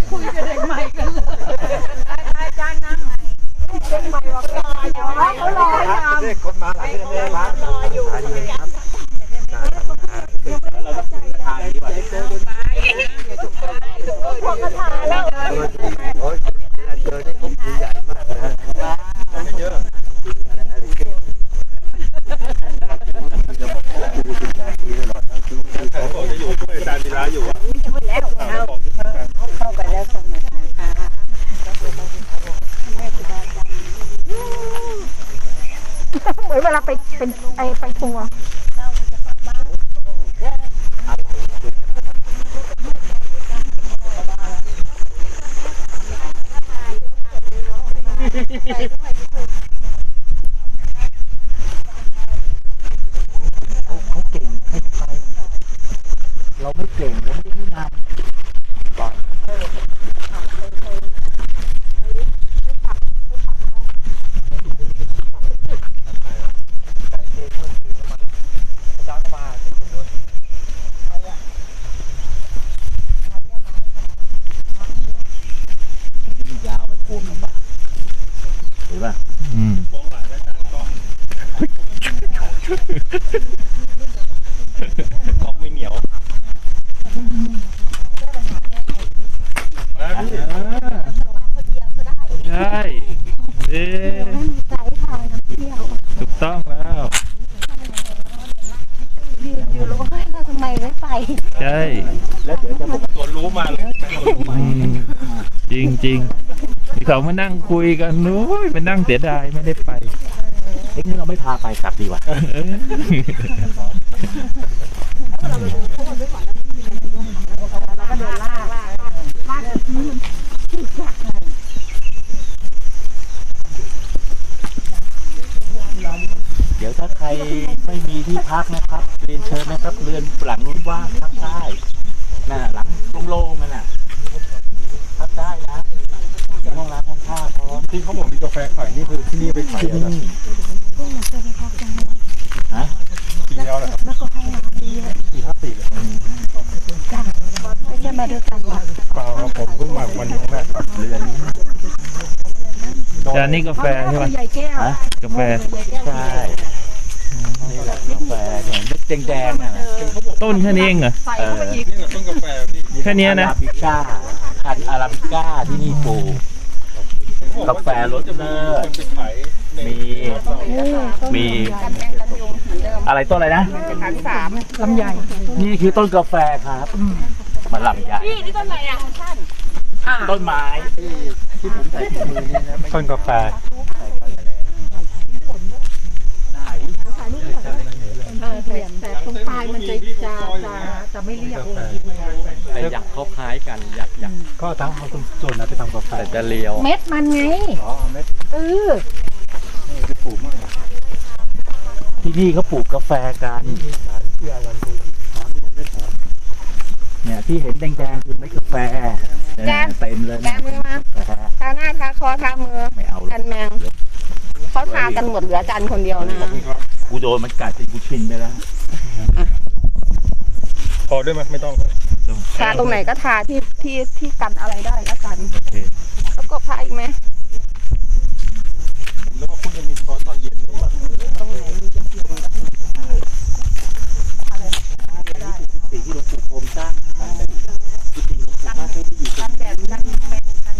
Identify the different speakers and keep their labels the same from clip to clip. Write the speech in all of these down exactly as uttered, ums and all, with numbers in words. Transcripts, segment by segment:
Speaker 1: คุยกับเด็กใหม่กันเลยอาจารย์นั่งไงเด็กใหม่บอกรออยู่เขารออยู่เด็กคนมาหลายคนเลยครับรออยู่ครับเราต้องถึงทางดีกว่าพวกกระถาแล้วโอ้ยเจอได้ผมใหญ่มากนะเยอะเขาบอกจะอยู่ช่วยอาจารย์ธีระอยู่อ่ะช่วยแล้วเข้าไปแล้วสนุกนะคะเหมือนเวลาไปเป็นไอไปทัวร์เขาเก่งให้ไปเราไม่เก่งเราไม่ได้นำก่อนยาวไปโค้งลำบากเห็นป่ะอืมโค้งหลายอาจารย์กล้องกล้องไม่เหนียวใช่เอ๊ะถูกต้องแล้วยืนอยู่แล้วเราทำไมไม่ไปใช่แล้วเดี๋ยวจะบอกตัวรู้มาเลยจริงจริงเขามานั่งคุยกันนู้ยมานั่งเสียดายไม่ได้ไปเอ๊ะนี่เราไม่พาไปกลับดีกว่าเดี๋ยวถ้าใครไม่มีที่พักนะครับเรียนเชิญนะครับเรือนหลังนู้นว่างพักได้น่ะหลังโล่งๆนั่นน่ะพักได้นะห้องร้านห้องท่าพร้อมที่เขาบอกมีกาแฟขายนี่คือที่นี่ไปขายที่นี่ฮะปีแล้วเหรอครับแล้วก็ให้ร้านดีสี่ห้าสี่เลยจ้าไม่ใช่มาด้วยกันหรอเปล่าผมเพิ่งมาวันนี้แรกครับเรือนจานนี้กาแฟใช่ไหมฮะกาแฟใช่นี่แหละกาแฟเนี่ยเม็ดแดงๆน่ะต้นแค่นี้เองเหรอเออนี่แหละต้นกาแฟแค่นี้นะอาราบิก้าพันธุ์อาราบิก้าที่นี่ปลูกกาแฟรสเลิศมีมีอะไรต้นอะไรนะพันสามลำไยนี่คือต้นกาแฟครับมันลำไยนี่ต้นอะไรอ่ะต้นไม้ที่ผมใส่ถุงมือนี่นะต้นกาแฟแต่ตรงปลายมันจะจะจะจะไม่เรียบแต่อยากเขาคล้ายกันอยากอยากก็ทั้งเอาส่วนนั้นไปทำกาแฟแต่จะเลียวเม็ดมันไงอ๋อเม็ดเออนี่คือปลูกมากที่นี่เขาปลูกกาแฟกันเนี่ยที่เห็นแดงๆคือเม็ดกาแฟเต็มเลยแกมือมาทาหน้าทาคอทามือไม่เอากันแมงเขาทากันหมดเหลือจันคนเดียวนะกูโดนมันกัดจนกูชินไปแล้วพอด้วยไหมไม่ต้องทาตรงไหนก็ทาที่ที่ที่กันอะไรได้แล้วกันแล้วก็พาอีกไหมแล้วก็คุณจะมีคอตอนเย็นตรงไหนสีที่หลวงปู่พรมสร้างกุฏิหลวงปู่มากที่อยู่กันแดดกันแดดกัน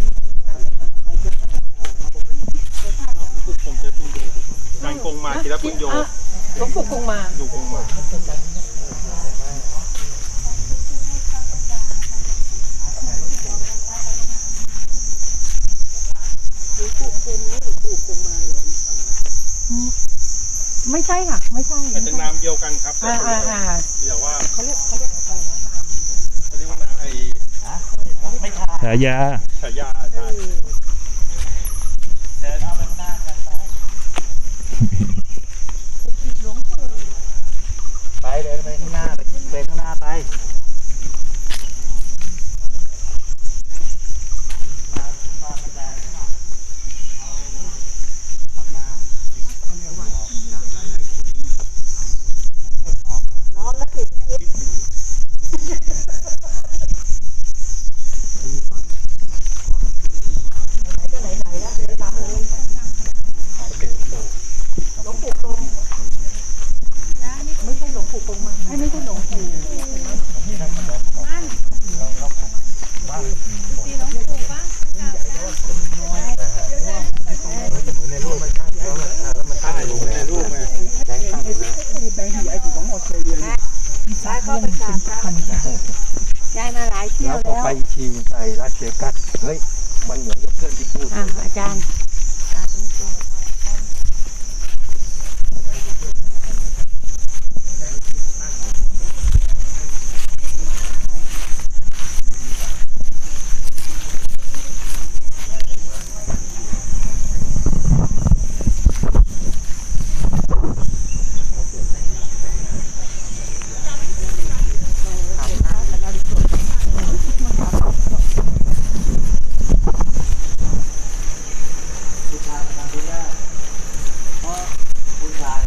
Speaker 1: ผมจะดูการกงมาทีละปุญโยหลวงปู่กงมาดูกงมาไม่ใช่ค่ะไม่ใช่แต่เป็นนามเดียวกันครับอ่าอ่าอ่าเดี๋ยวว่าเขาเรียกเขาเรียกอะไรนะนามเขาเรียกว่านามไอ้ไม่ใช่ฉายาฉายาใช่เดินเอาไปข้างหน้ากันไปไปเดินไปข้างหน้าไปไปข้างหน้าไป
Speaker 2: ไปชีไปรัสเซียกัสเฮ้ยมันเหมือนกับเพื่อนที่พูด
Speaker 3: อ่ะอาจารย์ตาตรงตัว